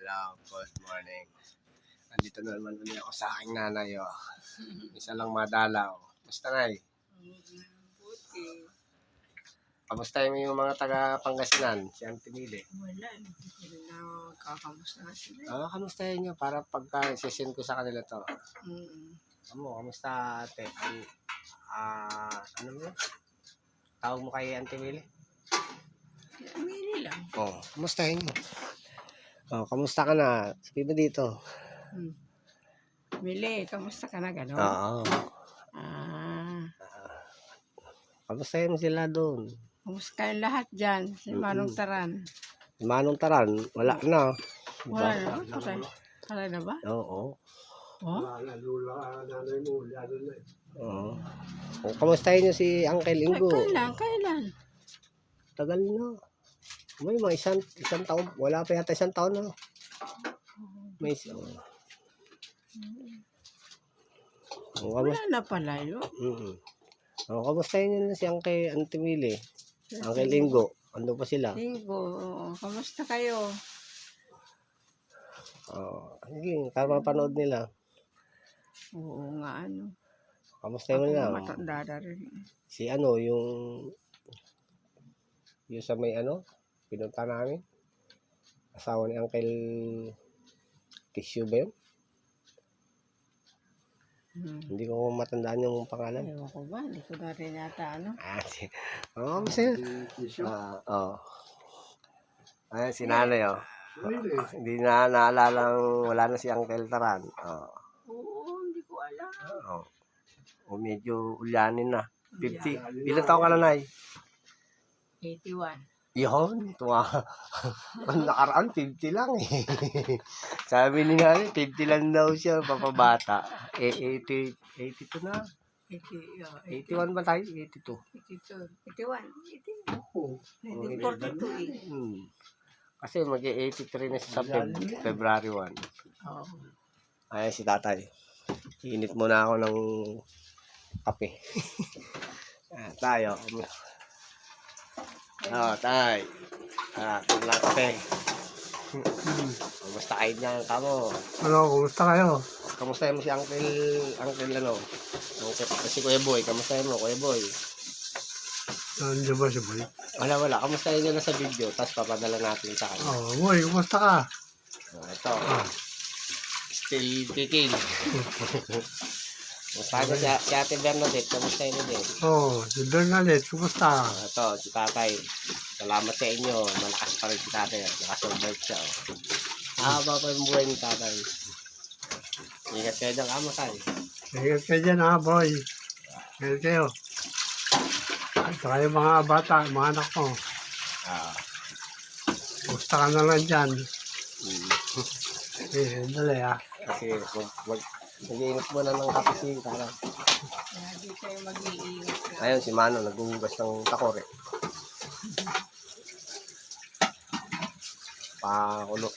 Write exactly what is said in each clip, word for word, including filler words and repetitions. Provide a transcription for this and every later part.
Hello, good morning. Andito na naman ulit ako sa aking nanay. Oh. Isa lang madalaw. Basta ngay. Buti. Kamusta yung mga taga Pangasinan? Si Auntie Mili. Wala. Hindi ko rin nakakamusta nga sila. Ah, kamustahin nyo para pagka sisend ko sa kanila to. Mm. Amo, kamusta ate? An, ah, ano mo? Tawag mo kay Auntie Mili? Mili lang. Oh, kamustahin mo? Oh, kamusta ka na? Sabi mo dito. Hmm. Mili, kamusta ka na gano'n? Oo. Ah. Kamustahin mo sila doon? Kamusta kayong lahat dyan? Si Manong Taran. Si Manong Taran, wala na. Wala na ba? Patay. Patay na ba? Oo. Oh? Oo. Oh, kamustahin niyo si Uncle Ay, Ingo? kailan? Kailan? Tagal na. May mga isang, isang taon. Wala pa yata isang taon na. May isang. Oh, Wala na pala yun. mm Oh, kamustahin niyo na si Uncle Auntie Mili? Uncle Ingo. Ano pa sila? Linggo, oo. Kamusta kayo? Oh, sige, para mapanood nila. Oo nga, ano. Kamustahin mo Ako na? matanda na rin. Si ano, yung yung sa may ano, pinunta namin. Asawa ni Uncle Tissue ba yun? Hmm. Hindi ko matandaan yung pangalan. Ewan ko ba? Hindi ko na rin yata, ano. Ah, si... Oo, oh, masaya. Ah, oo. Ayan, si nanay, oh. Oh, hindi na naalala wala na si Uncle Taran. Oh. Oo, hindi ko alam. Oh. O medyo ulyanin na. fifty. Ilan taon ka na, Nay? eighty-one. Yun, tuwa. Ang nakaraan, fifty lang eh. Sabi ni nanay, fifty lang daw siya, papabata. Eh, eighty, eighty-two na. eighty, oh, eighty-one ba tayo? eighty-two. eighty-two. eighty-one. eighty. Oo. nineteen forty-two eh. Hmm. Kasi mag-eighty-three na siya sa Feb- February first. Oo. Ayan si tatay. Init muna ako ng kape. Ah, tayo. Oh, tay. Ah, tumla kape. Kumusta kayo niyan, kamo? Ano, kumusta kayo? Kamusta mo si Uncle, Uncle ano? Uncle, si Kuya Boy, kamusta mo, Kuya Boy? Nandiyan ba si Boy? Wala, wala. Kamusta nyo na sa video, tapos papadala natin sa kanya. Oh, Boy, kumusta ka? Oh, ito. Still kicking. Kamusta nyo si, si Ate Bernadette, kamusta nyo din? Oh, si Bernadette, kumusta? Oh, ito, si Tatay. Salamat sa inyo. Malakas pa rin si Tatay. Nakasurvive siya. Oh. Haba pa yung buhay ni Tatay. Ingat kayo dyan, kamo tayo. Ingat kayo dyan ha, Boy. Ingat kayo. At saka yung mga bata, mga anak mo. Ah. Kumusta ka na lang dyan? Mm. Eh, dali ha. Kasi mag, mag, mag-iingat muna ng kape si Tatay. Kaya di kayo mag-iingat. Ayun, si Mano, naghuhugas ng takore. Pakulo.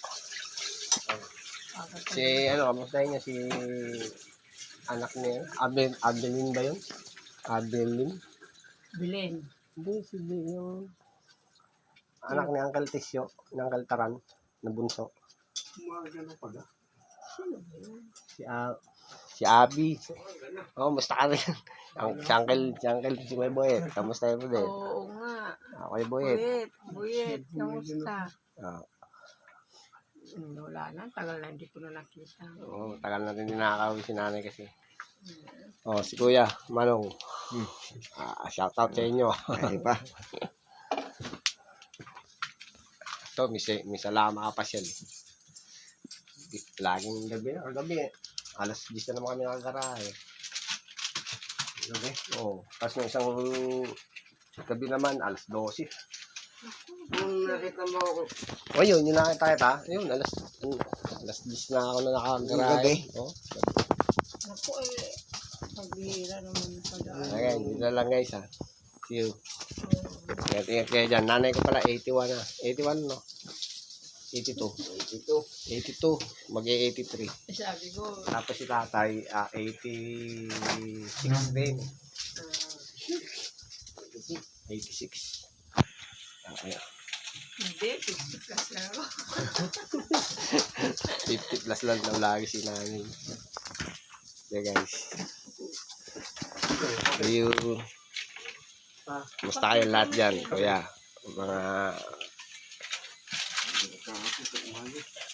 Si, ano, kamustahin niya si anak niya, Abel, Abelin ba yun? Abelin? Bilen. Hindi, si yung anak ni Uncle Tisyo, ni Uncle Taran, na bunso. Si, uh, si Abby. Oh, musta ka rin? Ang, si Uncle, si Uncle, si Kuya Boyet, kamusta mo din? Oo nga. Ah, Kuya Boyet. Buyet. Buyet. Kamusta? Ah, Hmm, wala na. Tagal na hindi ko na nakita. oh, tagal na rin nakakawin si nanay kasi. Oh, si Kuya, Manong. Hmm. Ah, shout out sa inyo. Ay pa. Ito, may, may salama ka pa siya. Laging gabi na. Gabi eh. Alas diyes na naman kami nakagarahe. Gabi? Oo. Oh, tapos ng isang gabi naman, alas dose. Kung nakita mo ako. O yun, yun nakita kita. Yun, alas, alas diyes na ako na nakagarahe. Oh. Ako eh. Pagbihira naman sa daan. Okay, dito na lang guys ha. See you. Ingat-ingat kayo dyan. Nanay ko pala, eighty-one na. eighty-one no? eighty-two. eighty-two. eighty-two. Mag-eighty-three. Eh, sabi ko, Tapos si tatay, uh, eighty-six din. eighty-six. Ah, ayan. hindi, fifty plus lang ako. fifty plus lang daw lagi si namin. Yeah guys. Ayun. Musta kayo lahat dyan, kuya? Mga